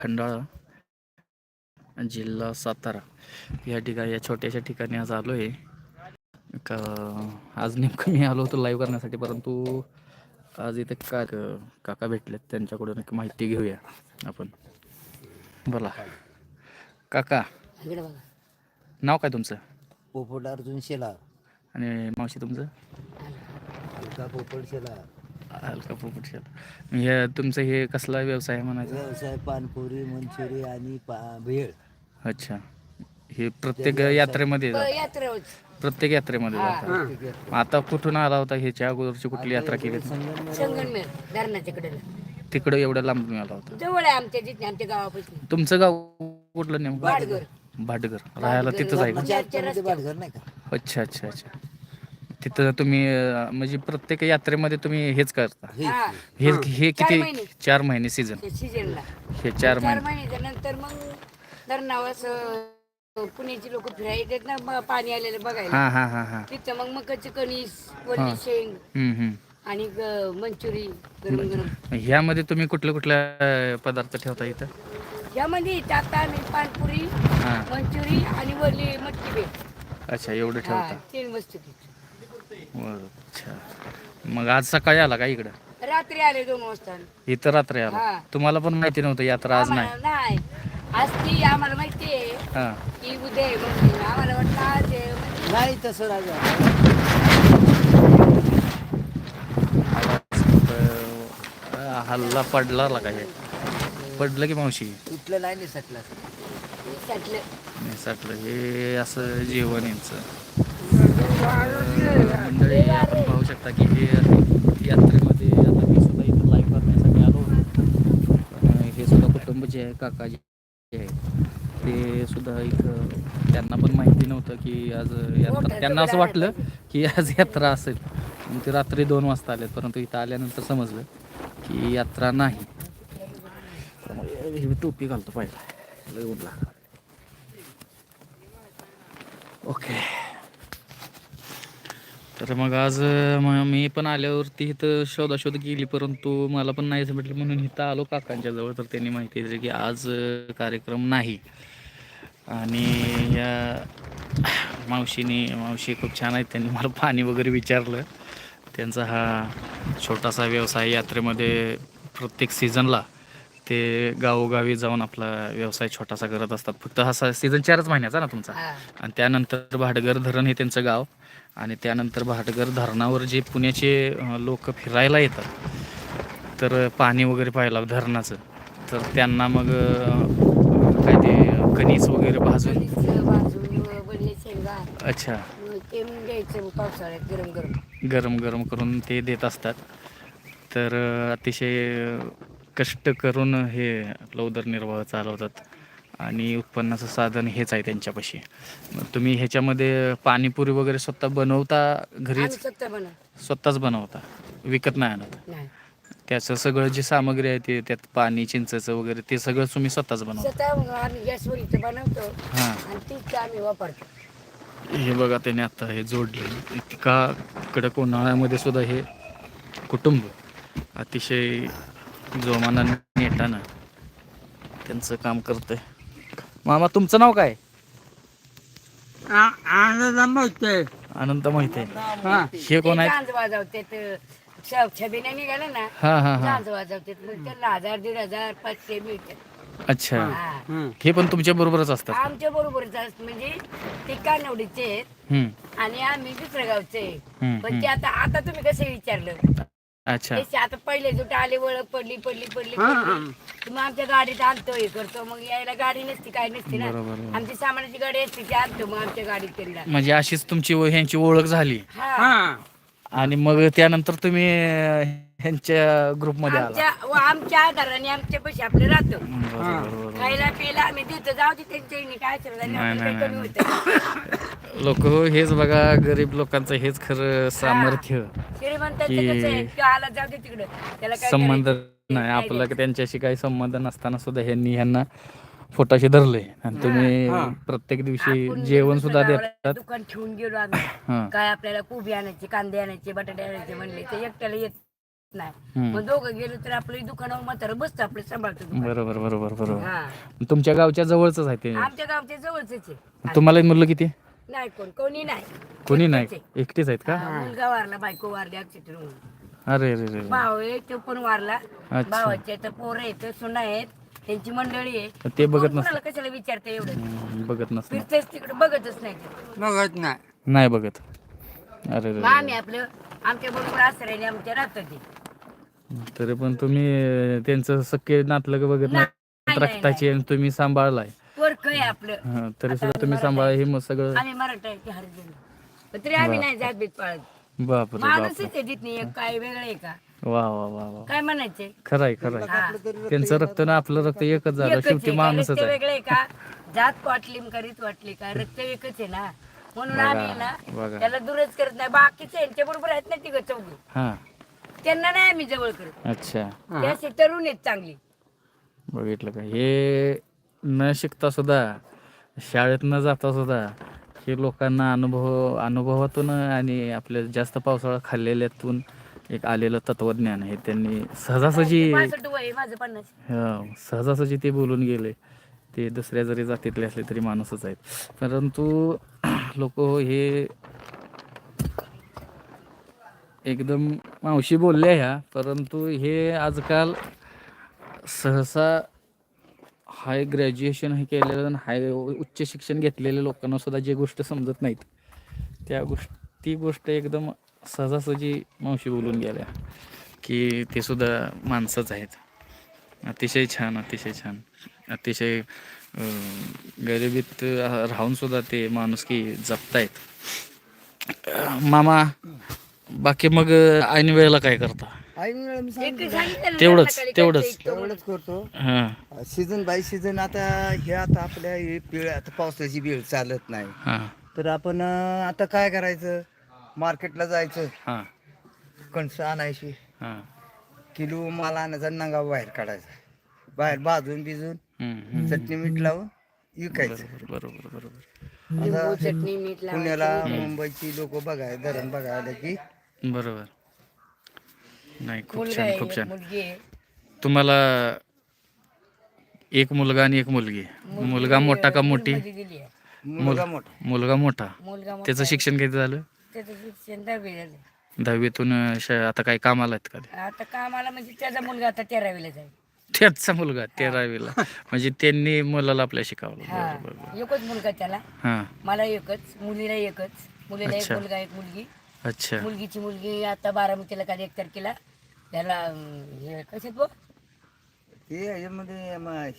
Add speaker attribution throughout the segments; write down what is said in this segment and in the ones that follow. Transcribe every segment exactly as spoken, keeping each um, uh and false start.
Speaker 1: खंडाळा, जिल्हा सातारा या ठिकाणी या छोट्याशा ठिकाणी आज आलो आहे. का आज नेमकं मी आलो होतो लाईव्ह करण्यासाठी, परंतु आज इथे का काका भेटलेत, त्यांच्याकडून एक माहिती घेऊया आपण. बोला काका,
Speaker 2: इकडे बघा.
Speaker 1: नाव काय तुमचं?
Speaker 2: पोपट अर्जुन शेलार.
Speaker 1: आणि मावशी तुमचं?
Speaker 2: अलका पोपट शेलार.
Speaker 1: अलका पोपट शेलार. हे तुमचं हे कसला व्यवसाय आहे म्हणायचं?
Speaker 2: व्यवसाय पानपुरी, मंचुरी आणि पा भेळ.
Speaker 1: अच्छा, हे प्रत्येक यात्रेमध्ये जातं?
Speaker 2: यात्रा
Speaker 1: प्रत्येक यात्रेमध्ये जातात. आता कुठून आला होता? ह्याच्या अगोदरची कुठली यात्रा केली?
Speaker 2: संगमनेर धरणाच्या कडेला.
Speaker 1: तिकडं एवढ्या लांबून आला होता?
Speaker 2: जवळ आहे आमच्या जिथे, आमच्या गावापासून.
Speaker 1: तुमचं गाव कुठलं नेमकं?
Speaker 2: भाटघर.
Speaker 1: भाटघर. राहायला तिथंच आहे का?
Speaker 2: भाटघर नाही का?
Speaker 1: अच्छा अच्छा अच्छा. तिथं तुम्ही अं, म्हणजे प्रत्येक यात्रेमध्ये तुम्ही हेच करता?
Speaker 2: हा.
Speaker 1: हे हे
Speaker 2: चार
Speaker 1: किती?
Speaker 2: महिने.
Speaker 1: चार महिने सीझन?
Speaker 2: सीजनला
Speaker 1: हे चार
Speaker 2: चार
Speaker 1: महिने.
Speaker 2: महिन्याच्या नंतर मग धरणावर असं पुण्याची लोक फिरायला येतात ना, ब- पाणी आलेलं बघायला.
Speaker 1: हा हा हा हा.
Speaker 2: तिथं मग मकाची कणीस, वल्ली शेंग
Speaker 1: हम्म हम्म.
Speaker 2: आणि ग- मंचुरी गरम गरम.
Speaker 1: ह्यामध्ये तुम्ही कुठले कुठले अं, पदार्थ ठेवता इथं?
Speaker 2: यामध्ये टाका आणि पानपुरी,
Speaker 1: हा.
Speaker 2: मंचुरी आणि वरली मटकी भेट.
Speaker 1: अच्छा, एवढं
Speaker 2: हा,
Speaker 1: ठेवता?
Speaker 2: तीन वस्तू ती.
Speaker 1: बरं, अच्छा. मग आज सकाळी आला का इकडं?
Speaker 2: रात्री आले दोन वाजता.
Speaker 1: इथं रात्री आला?
Speaker 2: हा.
Speaker 1: तुम्हाला पण माहिती नव्हतं यात्रा आज नाही?
Speaker 2: आम्हाला नाही, आज ती आम्हाला माहिती आहे
Speaker 1: हा.
Speaker 2: की उद्या आहे म्हणून. आम्हाला वाटलं आज आहे म्हणजे नाही तसं राजा.
Speaker 1: अं, हल्ला पडला का हे? पडलं की मावशी?
Speaker 2: तुटलं नाही निसटलं. निसटलं.
Speaker 1: निसटलं. हे असं जीवन यांचं. मंडळी, आपण पाहू शकता की हे यात्रेमध्ये आता मी सुद्धा इथं लाईव्ह करण्यासाठी आलो होतो. अं, हे सुद्धा कुटुंब जे आहे, काका जे आहे, ते सुद्धा इथं, त्यांना पण माहिती नव्हतं की आज यात्रा. त्यांना असं वाटलं की आज यात्रा असेल. मग ते रात्री दोन वाजता आले, परंतु इथं आल्यानंतर समजलं की यात्रा नाही. ही टोपी घालतो पहिला, लय ऊन लागलं. ओके. तर मग आज म- मी पण आल्यावरती इथं शोधाशोध केली, परंतु मला पण नाहीच भेटलं, म्हणून इथं आलो काकांच्या जवळ. तर त्यांनी माहिती दिली की आज अं, कार्यक्रम नाही. आणि या मावशीने मावशी खूप छान आहेत, त्यांनी मला पाणी वगैरे विचारलं. त्यांचा हा छोटासा व्यवसाय यात्रेमध्ये प्रत्येक सीझनला ते गावोगावी जाऊन आपला व्यवसाय छोटासा करत असतात. फक्त हा सीझन चारच महिन्याचा ना तुमचा?
Speaker 2: हा.
Speaker 1: आणि त्यानंतर भाटघर धरण हे त्यांचं गाव. आणि त्यानंतर भाटघर धरणावर जे पुण्याचे लोक फिरायला येतात, तर पाणी वगैरे पाहायला धरणाचं, तर त्यांना मग अं, काय ते कणीस वगैरे भाजून.
Speaker 2: कणीस भाजून वल्ली शेंगा.
Speaker 1: अच्छा.
Speaker 2: मग ते मग द्यायचं पावसाळ्यात गरम गरम.
Speaker 1: गरम गरम करून ते देत असतात. तर अं, अतिशय कष्ट करून हे आपला उदरनिर्वाह चालवतात आणि उत्पन्नाचं साधन हेच आहे त्यांच्यापाशी. मग तुम्ही ह्याच्यामध्ये पाणीपुरी वगैरे स्वतः बनवता
Speaker 2: आम्ही
Speaker 1: घरीच?
Speaker 2: स्वतः बनव.
Speaker 1: स्वतःच बनवता, विकत नाही आणत?
Speaker 2: नाही,
Speaker 1: त्याचं सगळं जे सामग्री आहे ते, त्यात पाणी, चिंचेचं वगैरे, ते सगळं तुम्ही स्वतःच बनवता?
Speaker 2: स्वतः मग आम्ही गॅसवर इथं बनवतो
Speaker 1: हां.
Speaker 2: आणि तीच आम्ही वापरतो.
Speaker 1: हे बघा, त्याने आता हे जोडले. इतका कडक उन्हाळ्यामध्ये सुद्धा हे कुटुंब अतिशय जोमानं नेटानं त्यांचं काम करतंय. मामा, तुमचं नाव काय?
Speaker 2: आनंद माहिती.
Speaker 1: अनंत माहिती आहे. हे कोण आहेत?
Speaker 2: झांज वाजवते छबिने निघाले ना,
Speaker 1: हा हा हा.
Speaker 2: झांज वाजवते. मग त्यांना हजार दीड हजार पाचशे मिळतात.
Speaker 1: अच्छा,
Speaker 2: हा.
Speaker 1: हे पण तुमच्या बरोबरच असतात?
Speaker 2: आमच्या बरोबरच असत, म्हणजे ते कानवडीचे आहेत
Speaker 1: हम्म,
Speaker 2: आणि आम्ही दुसऱ्या गावचे आहे.
Speaker 1: हम्म,
Speaker 2: पण ते आता आता तुम्ही कसं विचारलं,
Speaker 1: अच्छा.
Speaker 2: ते आता पहिले जुट आले, ओळख पडली पडली पडली पडली. तर मग आमच्या गाडीत आणतो, हे करतो. मग यायला गाडी नसती, काय नसती ना.
Speaker 1: बरोबर, बरोबर.
Speaker 2: आमची सामानाची गाडी असते, ती आणतो मग आमच्या गाडीत त्यांना.
Speaker 1: म्हणजे अशीच तुमची व ह्यांची ओळख झाली
Speaker 2: हा.
Speaker 1: आणि मग त्यानंतर तुम्ही अं, ह्यांच्या ग्रुपमध्ये आला?
Speaker 2: आमच्या व आमच्या आधाराने आमच्या पैसे आपले राहतो.
Speaker 1: बरोबर, बरोबर.
Speaker 2: खायला प्यायला आम्ही देतो, जाऊ दे त्यांच्या ह्यानी काय असेल झालं,
Speaker 1: नाही,
Speaker 2: आपल्याला
Speaker 1: नाही,
Speaker 2: काही कमी होतं.
Speaker 1: लोक हेच बघा, गरीब लोकांचं हेच खरं सामर्थ्य.
Speaker 2: श्रीमंतांचं
Speaker 1: की
Speaker 2: कसं आहे, किंवा आला जाऊ दे तिकडं, त्याला काय
Speaker 1: संबंध
Speaker 2: करायचं?
Speaker 1: नाही आपला, त्यांच्याशी काही संबंध नसताना सुद्धा ह्यांनी ह्यांना पोटाशी धरले. आणि तुम्ही प्रत्येक दिवशी
Speaker 2: आपण
Speaker 1: जेवण
Speaker 2: दुसऱ्या
Speaker 1: सुद्धा
Speaker 2: गावाला
Speaker 1: देतात.
Speaker 2: दुकान ठेवून गेलो आम्ही,
Speaker 1: हां.
Speaker 2: काय आपल्याला कोबी आणायची, कांदे आणायचे, बटाटे आणायचे म्हणले, ते एकट्याला येत नाही.
Speaker 1: हम्म.
Speaker 2: मग दोघं गेलो तर आपलं दुकानावर म्हातारं बसतं आपलं सांभाळतो दुकान.
Speaker 1: बरोबर बरोबर बरोबर.
Speaker 2: हा
Speaker 1: तुमच्या गावच्या जवळच आहे ते.
Speaker 2: आमच्या गावच्या जवळच आहे.
Speaker 1: तुम्हाला मुलं किती?
Speaker 2: नाही कोण कोणी नाही.
Speaker 1: कोणी नाही,
Speaker 2: एकटेच आहे.
Speaker 1: एकटीच आहेत का?
Speaker 2: हा, मुलगा वारला, बायको वारली ऍक्सिडेंट होऊन.
Speaker 1: अरे रे रे रे.
Speaker 2: भाव आहे तो पण वारला.
Speaker 1: अच्छा.
Speaker 2: भावाचे तर पोरं आहेत, सुना आहेत, त्यांची मंडळी आहे.
Speaker 1: ते बघत
Speaker 2: कोण
Speaker 1: नसतं.
Speaker 2: कोणाला कशाला विचारते एवढं?
Speaker 1: हम्म, बघत नसतं.
Speaker 2: फिरतेच तिकडे बघतच नाही ते.
Speaker 3: बघत नाही.
Speaker 1: नाही बघत. अरे रे
Speaker 2: मग आम्ही आपलं आमच्या बरोबर आसऱ्याने आमच्या राहतात ते.
Speaker 1: रे. तरी पण तुम्ही अं, त्यांचं सख्खे नातलं बघत
Speaker 2: नाही,
Speaker 1: नाही,
Speaker 2: नाही,
Speaker 1: रक्ताची, आणि तुम्ही सांभाळलाय.
Speaker 2: पोरकं आहे आपलं.
Speaker 1: हा, तरी
Speaker 2: आता
Speaker 1: सुद्धा
Speaker 2: आम्ही
Speaker 1: तुम्ही
Speaker 2: मराठा
Speaker 1: सांभाळा
Speaker 2: आहे.
Speaker 1: हे मग सगळं.
Speaker 2: आम्ही मराठा आहे ते हरिजन. पण तरी आम्ही नाही जात बीत पाळत.
Speaker 1: बापरे
Speaker 2: माणूसच
Speaker 1: बापरे.
Speaker 2: आहे तिथली, एक काय वेगळं आहे का?
Speaker 1: वा वा वा वा.
Speaker 2: काय म्हणायचे?
Speaker 1: खरंय खरंय.
Speaker 2: हा.
Speaker 1: त्यांचं रक्त ना आपलं रक्त एकच झालं,
Speaker 2: एकच
Speaker 1: शेवटी
Speaker 2: आहे का?
Speaker 1: माणूसच
Speaker 2: रक्त
Speaker 1: आहे.
Speaker 2: वेगळे का? जात वाटली करीत वाटली का? रक्त एकच आहे ना. म्हणून
Speaker 1: बघा,
Speaker 2: आम्ही ना
Speaker 1: बघा.
Speaker 2: त्याला दुरच करत नाही. बाकीचे यांच्या बरोबर आहेत ना तिघ चौघ,
Speaker 1: हा.
Speaker 2: त्यांना नाही आम्ही जवळ करत.
Speaker 1: अच्छा.
Speaker 2: ते असे तरुण आहेत चांगली.
Speaker 1: बघितलं का? हे न शिकता सुद्धा, शाळेत न जाता सुद्धा, हे लोकांना अनुभव अनुभवातून आणि आपल्या जास्त पावसाळा खाल्लेल्यातून एक आलेलं तत्वज्ञान आहे. त्यांनी सहजासहजी
Speaker 2: पासष्ट वय आहे, माझं पन्नास.
Speaker 1: हं, सहजासहजी ते बोलून गेले. ते दुसऱ्या जरी जातीतले असले तरी माणूसच आहेत. परंतु लोक हे एकदम मावशी बोलल्या ह्या, परंतु हे आजकाल सहसा हाय ग्रॅज्युएशन हे केलेलं आणि हाय उच्च शिक्षण घेतलेल्या लोकांना सुद्धा जे गोष्ट समजत नाहीत, त्या गोष्ट ती गोष्ट एकदम सहजासहजी मावशी बोलून गेल्या की ते सुद्धा माणसंच आहेत. अतिशय छान, अतिशय छान, अतिशय अं, गरिबीत राहून सुद्धा ते माणुसकी जपतायत. अं, मामा, बाकी मग ऐन वेळेला काय करता?
Speaker 3: आई वेळा मी
Speaker 2: एक
Speaker 3: सांगितलं.
Speaker 2: सांगितलं ना,
Speaker 1: तेवढंच,
Speaker 2: सकाळी
Speaker 1: तेवढंच.
Speaker 2: घरचं इतकं
Speaker 3: एवढंच करतो.
Speaker 1: हां
Speaker 3: सीझन बाय सीझन. आता हे आता आपल्या हे पिळ आता पावसाची वेळ चालत नाही,
Speaker 1: हां
Speaker 3: तर आपण अं, आता काय करायचं, मार्केटला जायचं,
Speaker 1: हां
Speaker 3: कणसं आणायची,
Speaker 1: हां.
Speaker 3: किलो माल आणायचा, नंगा बाहेर काढायचा, बाहेर भाजून भिजून
Speaker 1: हम्म, हम्म.
Speaker 3: चटणी मीठ लावून विकायचं.
Speaker 1: बरोबर बरोबर बरोबर
Speaker 2: लिंबू चटणी मीठ लावायचं.
Speaker 3: पुण्याला मुंबईची लोक बघाय धरण बघायला की
Speaker 1: बरोबर. नाही, खूप
Speaker 2: मुलगा
Speaker 1: छान,
Speaker 2: आहे,
Speaker 1: खूप
Speaker 2: एक
Speaker 1: छान.
Speaker 2: मुलगी आहे.
Speaker 1: तुम्हाला एक मुलगा आणि एक मुलगी. मुलगा मोठा का मोठी?
Speaker 2: मध्ये दिली आहे.
Speaker 3: मुलगा मोठा.
Speaker 1: मुलगा मोठा.
Speaker 2: मुलगा मोठा
Speaker 1: त्याचं
Speaker 2: आहे.
Speaker 1: शिक्षण किती झालं?
Speaker 2: त्याचं शिक्षण दहावी झालं.
Speaker 1: दहावीतून अं, श- आता काय कामाला आहेत का ते?
Speaker 2: आता कामाला म्हणजे त्याचा मुलगा आता तेरावीला जाईल.
Speaker 1: त्याचा मुलगा तेरावीला, म्हणजे त्यांनी मुलाला आपल्या शिकवलं.
Speaker 2: हा,
Speaker 1: बरं बरं.
Speaker 2: एकच मुलगा त्याला.
Speaker 1: हां.
Speaker 2: मला एकच, मुलीला एकच. मुलीला एक
Speaker 1: अच्छा.
Speaker 2: मुलगा एक मुलगी.
Speaker 1: अच्छा.
Speaker 2: मुलगीची मुलगी आता बारामतीला काल एक तारखेला त्याला अं, हे कशात बघ
Speaker 3: ते याच्यामध्ये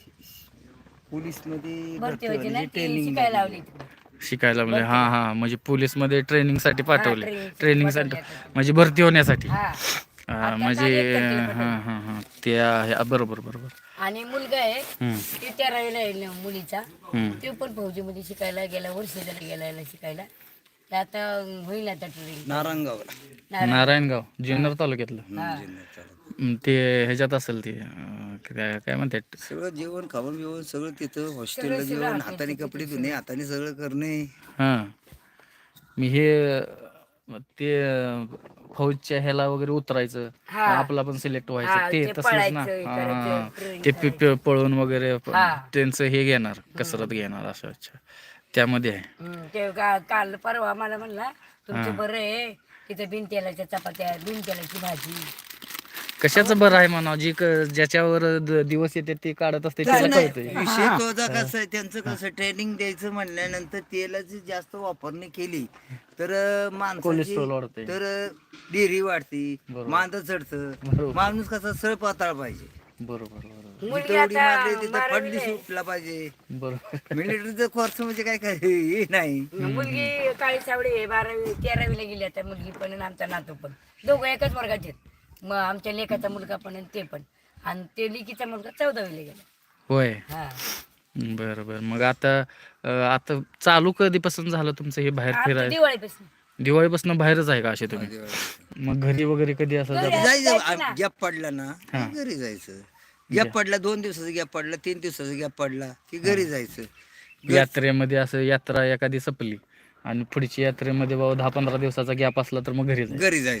Speaker 3: पोलीस मध्ये
Speaker 2: भरती व्हायची ना ती
Speaker 3: ट्रेनिंग
Speaker 2: शिकायला लावली तिकडे.
Speaker 1: शिकायला म्हणजे हां हां, म्हणजे पोलीस मध्ये ट्रेनिंग साठी पाठवले.
Speaker 2: training साठी
Speaker 1: ट्रेनिंग साठी
Speaker 2: पाठवले आता.
Speaker 1: म्हणजे भरती होण्यासाठी.
Speaker 2: हा.
Speaker 1: अं,
Speaker 2: आता
Speaker 1: म्हणजे
Speaker 2: काल एक तारखेला
Speaker 1: हां
Speaker 2: पाठवले.
Speaker 1: हां हां, ते आहे. बरोबर बरोबर.
Speaker 2: आणि मुलगा आहे
Speaker 1: हम्म,
Speaker 2: ते तेरावीला आहे न मुलीचा.
Speaker 1: हम्म.
Speaker 2: तो पण फौजीमध्ये शिकायला गेला, वर्ष झालं गेला शिकायला. ते आता अं, होईल आता ट्रेनिंग.
Speaker 3: नारायणगावला.
Speaker 1: नारायणगाव जुन्नर तालुक्यातलं.
Speaker 2: हा.
Speaker 1: हम्म, ते ह्याच्यात असेल ते अं, काय काय म्हणतात.
Speaker 3: सगळं जेवण खावण बिवण सगळं तिथं हॉस्टेलला
Speaker 2: सगळं
Speaker 3: जेवण,
Speaker 2: हाताने
Speaker 3: हाताने कपडे धुणे, हाताने सगळं करणे.
Speaker 1: हां, मी हे अं, ते अं, फौजच्या ह्याला वगैरे उतरायचं,
Speaker 2: हा.
Speaker 1: आपला पण सिलेक्ट
Speaker 2: हा,
Speaker 1: व्हायचं, ते
Speaker 2: ते
Speaker 1: तसंच ना.
Speaker 2: पळायचं, हे
Speaker 1: हां,
Speaker 2: करायचं,
Speaker 1: हां.
Speaker 2: training
Speaker 1: ते पि- पि- पळून वगैरे प-
Speaker 2: हा.
Speaker 1: त्यांचं हे घेणार, कसरत घेणार असं. अच्छा, त्यामध्ये आहे.
Speaker 2: हम्म, ते का- काल परवा मला म्हणला तुमचं बरं आहे तिथं बिन तेलाच्या चपात्या, बिन तेलाची भाजी.
Speaker 1: कशाचं बरं आहे म्हणा, जी क- ज्याच्यावर द- दिवस येते ते काढत असते त्याला कळतंय.
Speaker 3: विषय तोचा कसं आहे, त्यांचं कसं ट्रेनिंग द्यायचं म्हणल्यानंतर तेलाची जास्त वापरणी केली तर अं, माणसाची
Speaker 1: कोलेस्ट्रॉल वाढते.
Speaker 3: तर डेअरी वाढती,
Speaker 1: बरोबर.
Speaker 3: मांद चढतं.
Speaker 1: बरोबर.
Speaker 3: माणूस कसा सळ पाताळ पाहिजे,
Speaker 1: बरोबर बरोबर
Speaker 2: मुलगी
Speaker 3: जिथं उडी
Speaker 2: आता
Speaker 3: मारली तिथं
Speaker 2: बारावीला
Speaker 3: पडली
Speaker 2: आहे.
Speaker 3: सुटला पाहिजे.
Speaker 1: बरोबर.
Speaker 3: मिलिटरीचं कोर्स म्हणजे काय काय हे नाही.
Speaker 2: मुलगी काळी सावडी आहे, बारावी तेरावीला गेली आता मुलगी पण आणि आमचा नातू पण. दोघं एकाच वर्गाचे आहेत. मग आमच्या लेखाचा मुलगा पण आणि ते पण. आणि ते लेकीचा मुलगा चौदावीला गेला.
Speaker 1: होय.
Speaker 2: हा.
Speaker 1: बरं बरं. मग आता अं, आता चालू कधीपासून झालं तुमचं हे बाहेर
Speaker 2: आता
Speaker 1: फिरायला?
Speaker 2: दिवाळीपासून.
Speaker 1: दिवाळीपासून बाहेरच आहे का असे तुम्ही? मग घरी वगैरे कधी असं
Speaker 2: घरी
Speaker 1: जाता?
Speaker 2: जायचं ना.
Speaker 3: जायचं गॅप पडला ना
Speaker 1: हा.
Speaker 3: की घरी जायचं. गॅप पडला, दोन दिवसाचा गॅप पडला, तीन दिवसाचा गॅप पडला की घरी जायचं.
Speaker 1: यात्रेमध्ये असं यात्रा एखादी संपली आणि पुढची यात्रेमध्ये बाबा दहा पंधरा दिवसाचा गॅप असला तर मग घरी जायचं.
Speaker 3: घरी जायचं.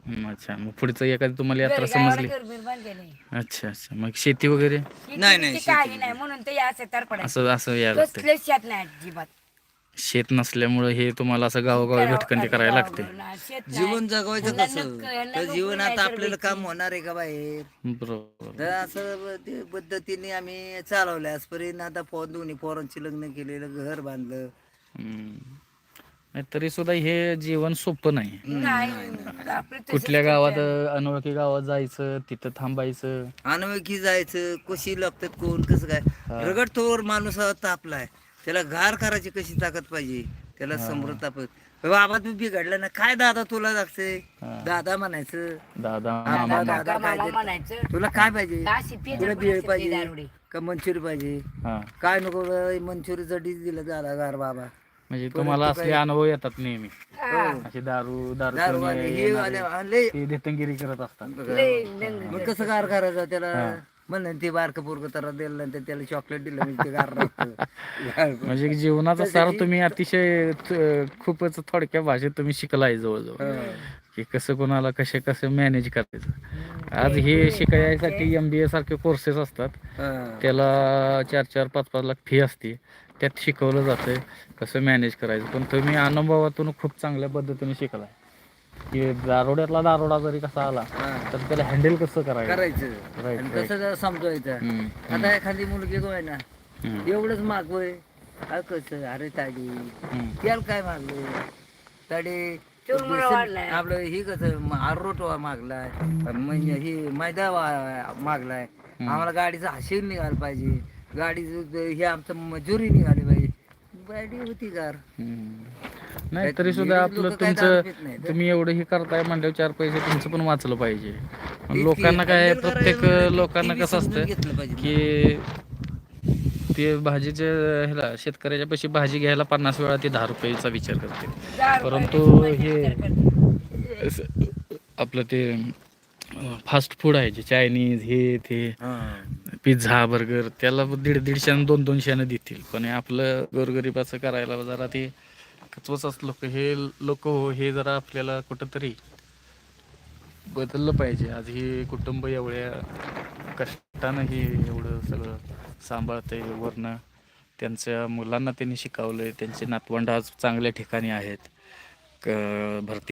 Speaker 1: हम्म, अच्छा मग पुढचं एखादी तुम्हाला यात्रा
Speaker 2: घर गावाला
Speaker 1: समजली.
Speaker 2: घर बीर बांधलेलं आहे.
Speaker 1: अच्छा अच्छा मग शेती वगैरे
Speaker 2: शेती
Speaker 3: नाही, नाही,
Speaker 2: बिती काही
Speaker 3: शेती
Speaker 2: नाही म्हणून ते असं तर पडायचं.
Speaker 1: असं असं यायला लागतं.
Speaker 2: कसलं शेत नाही अजिबात.
Speaker 1: शेत नसल्यामुळे हे तुम्हाला असं गावोगावी
Speaker 2: करावं-
Speaker 1: भटकंती करायला लागते.
Speaker 2: गावाकडं ना, शेत नाही.
Speaker 3: जीवन जगवायचं
Speaker 2: यांना
Speaker 3: कसं
Speaker 2: नक्क- यांना
Speaker 3: तर
Speaker 2: नोकरी
Speaker 3: जीवन
Speaker 2: नाही
Speaker 3: आता
Speaker 2: तर
Speaker 3: आपल्याला
Speaker 2: भेटती.
Speaker 3: काम होणार आहे का बाहेर
Speaker 1: बरोबर.
Speaker 3: तर असं ते पद्धतीने आम्ही चालवलं आजपर्यंत. आता पो दोन्ही पोरांची लग्न केलेलं, घर बांधलं.
Speaker 1: हम्म. नाही तरी सुद्धा हे जीवन सोपं नाही.
Speaker 2: नाही आपलं तसंच
Speaker 1: कुठल्या
Speaker 2: करते
Speaker 1: गावात
Speaker 2: आम्ही.
Speaker 1: अनोळखी गावात जायचं तिथं थांबायचं.
Speaker 3: अनोळखी जायचं, कशी लागतात कोण कसं काय. रगड तोवर माणूस तापलाय, त्याला घार करायची कशी ताकद पाहिजे, त्याला समृद्ध तापत. बाबा तू बिघडला ना काय दादा तुला लागतंय, दादा म्हणायचं.
Speaker 1: दादा
Speaker 3: दादा,
Speaker 1: मामा
Speaker 3: दादा,
Speaker 2: काका, मामा
Speaker 3: काय ते-
Speaker 2: म्हणायचं.
Speaker 3: तुला काय पाहिजे,
Speaker 2: अशी पेज
Speaker 3: तुला
Speaker 2: आपण
Speaker 3: बिळ
Speaker 2: असते
Speaker 3: पाहिजे
Speaker 2: दारुडे.
Speaker 3: का मंचुरी पाहिजे,
Speaker 1: हा
Speaker 3: काय नको मंचुरीचा डिश दिला दादा गार बाबा.
Speaker 1: म्हणजे तुम्हाला असले अनुभव येतात नेहमी.
Speaker 2: हा.
Speaker 1: असे दारू दारू
Speaker 3: दारू
Speaker 1: पिऊन
Speaker 3: वाले, हे
Speaker 1: येणारे,
Speaker 3: वाले, लय
Speaker 1: ते देतंगिरी करत असतात.
Speaker 2: लय लंग-
Speaker 3: मग कसं गार करायचं त्याला. म्हणलं ते बारकं पोरकं तर दिलं नंतर त्याला चॉकलेट दिलं म्हणजे ते गार राहतं.
Speaker 1: म्हणजे जीवनाचा सार तुम्ही अतिशय त- खूपच थोडक्या भाषेत तुम्ही शिकलाय जवळजवळ की कसं कोणाला कसे कसं मॅनेज करायचं. आज हे शिकायसाठी एम बी ए सारखे कोर्सेस असतात,
Speaker 3: हा.
Speaker 1: त्याला चार चार पाच पाच लाख फी असते, त्यात शिकवलं जातं कसं मॅनेज करायचं. पण तुम्ही अनुभवातून खूप चांगल्या पद्धतीने शिकलाय की दारोड्यातला दारोडा जरी कसा आला तर त्याला हँडल कसं करायचं.
Speaker 3: करायचं
Speaker 1: Right,
Speaker 3: आणि
Speaker 1: right.
Speaker 3: कसं जरा समजवायचं.
Speaker 1: हम्म,
Speaker 3: आता एखादी मुलगी जो आहे ना
Speaker 1: हम्म,
Speaker 3: एवढंच मागवय, अरे कसं अरे ताडी
Speaker 1: हम्म.
Speaker 3: त्याला काय मागलं ताडी
Speaker 2: चुरमुरा वाढलाय.
Speaker 3: आपलं ही कसं आरोट मागलाय, म्हणजे ही मैदा वा- मागलाय. आम्हाला गाडीचं हशीर निघालं पाहिजे, गाडीचं हे आमचं मजुरी निघाली पाहिजे. गाडी होती गार.
Speaker 1: हम्म. नाही
Speaker 3: काय
Speaker 1: तरी सुद्धा
Speaker 3: लेडीज
Speaker 1: आपलं
Speaker 3: लोकं काय दारू
Speaker 1: तुमचं
Speaker 3: पित नाहीत.
Speaker 1: तुम्ही एवढं हे करताय म्हणल्यावर चार पैसे तुमचं पण वाचलं पाहिजे.
Speaker 3: की
Speaker 1: लोकांना काय
Speaker 3: handle करायला
Speaker 1: प्रत्येक
Speaker 3: म्हणलं की
Speaker 1: लोकांना
Speaker 3: ती
Speaker 1: कसं
Speaker 3: समजून
Speaker 1: असतं
Speaker 3: घेतलं पाहिजे.
Speaker 1: की ते भाजीच्या ह्याला शेतकऱ्याच्या पैसे भाजी घ्यायला पन्नास वेळा ते दहा रुपयाचा विचार करते.
Speaker 2: दारू
Speaker 1: परंतु
Speaker 2: पाहिजे,
Speaker 1: हे
Speaker 2: विचार करते.
Speaker 1: असं आपलं ते फास्ट फूड आहे जे चायनीज हे ते
Speaker 3: हा.
Speaker 1: पिझ्झा बर्गर त्याला दीड दीडशेनं दोन दोनशेनं देतील, पण हे आपलं गोरगरिबाचं करायला जरा ते कचवच लोक हे लोक हो हे जरा आपल्याला कुठंतरी बदललं पाहिजे. आज हे कुटुंब एवढ्या कष्टानं हे एवढं सगळं सांभाळतंय, वरनं त्यांच्या मुलांना त्यांनी शिकवलंय, त्यांचे नातवंड आज चांगल्या ठिकाणी आहेत, क भरती